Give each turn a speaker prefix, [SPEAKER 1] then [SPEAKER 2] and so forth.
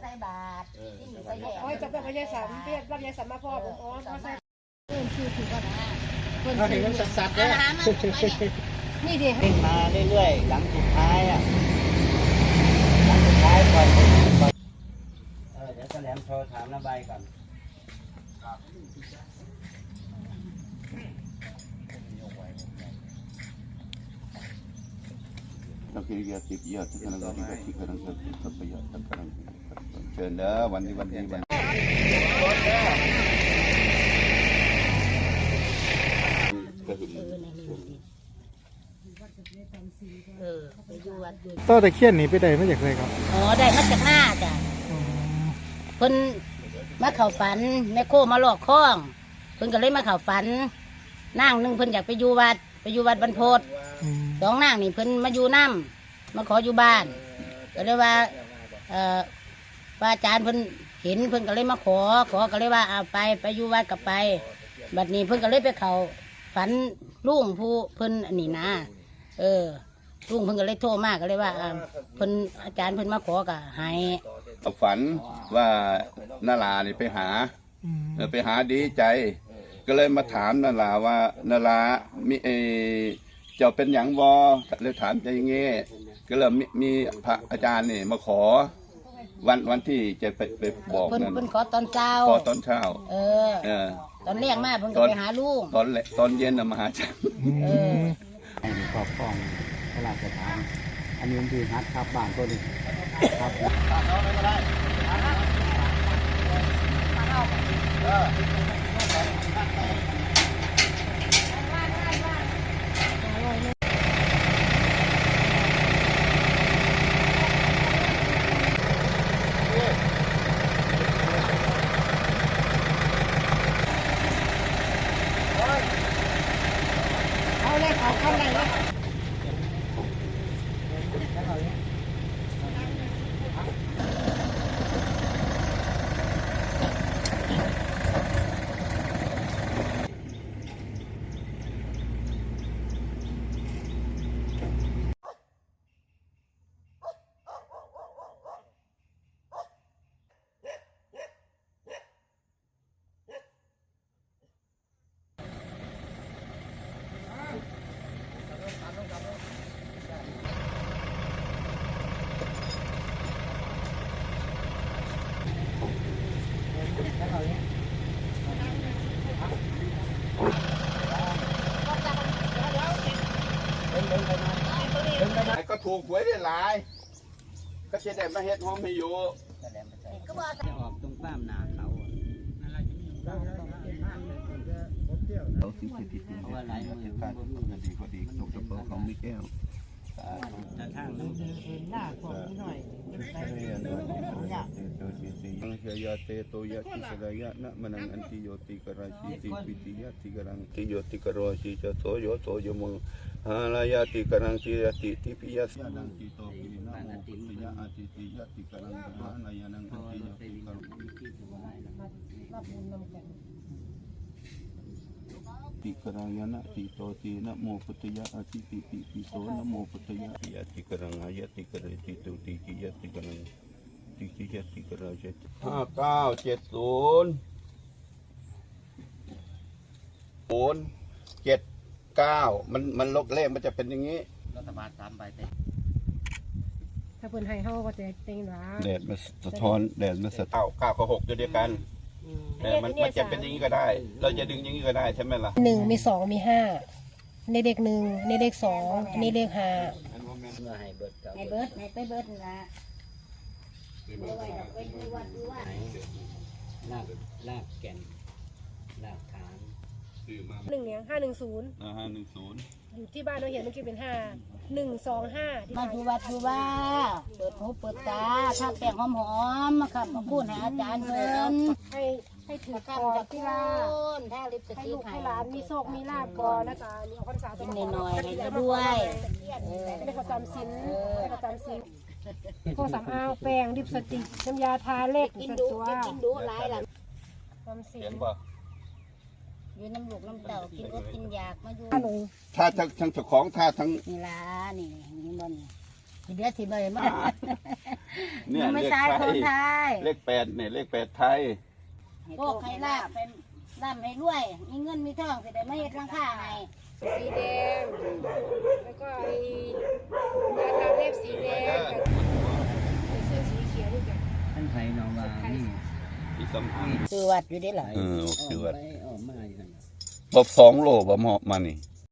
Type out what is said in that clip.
[SPEAKER 1] ส่บาตรที่มีใส่แยก
[SPEAKER 2] อ๋อจะเป็นพญาสัมเรียกรับยาสัมมาพ่อผมอ๋อมาใส่
[SPEAKER 1] คือก็ได้
[SPEAKER 3] เราเห็นมันสัดๆเนี่ย
[SPEAKER 2] นี่ดิ
[SPEAKER 3] เล่นมาเรื่อยๆหลังสุดท้ายหลังสุดท้ายก่อนเดี๋ยวแสลมโทรถามระบายก่อน
[SPEAKER 4] สัพเพยะติปิยะสักการะติกะติกะรังสัพเพยะสักการะเชิญเด้อวันนี้วัน
[SPEAKER 1] ไปอยู่วัด
[SPEAKER 5] ต้นตะเคียนนี่ไปได้มาจากไหนครับ
[SPEAKER 1] อ๋อได้มาจากหน้าจ้ะเพิ่นมาเข้าฝันแม่โคมาหลอกข้องเพิ่นก็เลยมาเข้าฝันนางนึงเพิ่นอยากไปอยู่วัดบรรพตสองนางนี่เพิ่นมาอยู่น้ำมาขออยู่บ้านก็เลยว่าอาจารย์เพิ่นเห็นเพิ่นก็เลยมาขอก็เลยว่าเอาไปอยู่วัดกับไปบัดนี้เพิ่นก็เลยไปเข้าฝันลุงผู้เพิ่นอันนี้นะลุงเพิ่นก็เลยโทรมากก็เลยว่าเพิ่นอาจารย์เพิ่นมาขอก็ให้
[SPEAKER 4] ฝันว่านารานี่ไปหาดีใจก็เลยมาถามนาราว่านารามีเจ้าเป็นหยังบ่เลยถามใจอย่างงี้ก็เลยมีพระอาจารย์นี่มาขอวันที่จะไปบอกนั่น
[SPEAKER 1] เพิ่นขอตอนเช้าตอนแรกมาเพิ่นก็ไปหาลุง
[SPEAKER 4] ตอนเย็นมาหาจัน
[SPEAKER 3] ให้ครอบครองพระราชทานอันนี้คือฮัทครับบ้านตัวนี้
[SPEAKER 2] เอาเลยเอาเข้าไหนเลย
[SPEAKER 4] ก็ถูกหวยได้หลายก็จะได้มาเฮ็ดห้องไม่อยู่
[SPEAKER 3] จะออกตรงป้ามนาเขา
[SPEAKER 4] เขาสิทธิเพราะว่าหลายมือการดีพอดีตกกระเป๋าเขาไม่แก้ว
[SPEAKER 3] แต่ทางนั้นหน้าของหน่อย
[SPEAKER 4] เฮียเตโตยะติสลายะนะมนังอันติโยติกราชีติปิติยะติกรังติโยติกรชีจะโสโยโสยมหาลายะติกรังชียติทิปิยะสังกิโตปินะโมปุตยะอาติติยะติกรังมหานายนังอันติโยติกรติกรังยะนะติโตตินะโมปุตยะอาติติปิโสนะโมปุตยะยะติกรังายะติกรติตุติกิยะติกรังติกราช5970 079มันลบเลขมันจะเป็นอย่างนี้
[SPEAKER 3] รัฐบาล3 ใบเต็ม
[SPEAKER 2] ถ้าเพิ่นให้เฮาก็จะเต็งหลา
[SPEAKER 4] แดดมันสะท้อนแดดมันสะท้อน9กับ6เดียวกันมันจะเป็นอย่างนี้ก็ได้เราจะดึงอย่างนี้ก็ได้ใช่ไหมล่ะ
[SPEAKER 2] 1มี2มี5ในเลข1ในเลข2ในเลข5
[SPEAKER 3] ให้เบิด
[SPEAKER 1] ไปเบิดนะ
[SPEAKER 3] ลากแก่นลากฐาน
[SPEAKER 2] 1เนี่ย510อยู่ที่บ้านเราเห็นเมื่อกี้เป็น5125
[SPEAKER 1] มาอยู่วัดอยู่ว่าเปิดหูเปิดตาถ้าแป้งหอมๆครับมาพูดให้อาจารย์เพิ่น
[SPEAKER 2] ให้ถือคอที่ลา
[SPEAKER 1] ถ้าลิปสติก
[SPEAKER 2] ให้หลานมีโชคมีลาภก่อนนะจ๊ะนี่ออกพรรษา
[SPEAKER 1] ต้องหน่อยๆให้ด้วย
[SPEAKER 2] ให้เขาจำศีลพวกสำอางแป้งลิปสติกน้ำยาทาเล็บ
[SPEAKER 1] กินดูหลายหลัง
[SPEAKER 2] จำศีล
[SPEAKER 1] อยู่น้ำลูกน้ำเต่ากินก็กินยากมาอยู่
[SPEAKER 4] ถ้าทั้งเจ้าของถ้าทั้ง
[SPEAKER 1] นี่ล่ะนี่มันทีเดียวทีเดียวมา
[SPEAKER 4] เนี่ย
[SPEAKER 1] ยังไม่
[SPEAKER 4] เลข
[SPEAKER 1] ตาย
[SPEAKER 4] ไท
[SPEAKER 1] คน
[SPEAKER 4] ย
[SPEAKER 1] ไทย
[SPEAKER 4] เลข8เนี่ยเลข8ไทย
[SPEAKER 1] โชคให้ลาบเป็นร่ำให้รวย มีเงินมีทองสิได้มาเฮ็ดหลังคาให้
[SPEAKER 2] สีแดง แล้วก็ไอ้ยาทาเล็บสีแดงกับเสื้อสีเขียวนี่กัน
[SPEAKER 3] ท่านไทยนองวานี่
[SPEAKER 4] ที่สำคัญ
[SPEAKER 1] ซื้อวัดอยู่ได้หลาย
[SPEAKER 4] โอเคว่า
[SPEAKER 3] ไปออกมาอยู่นั่น
[SPEAKER 4] บ่2 โลบ่เหมาะมานี่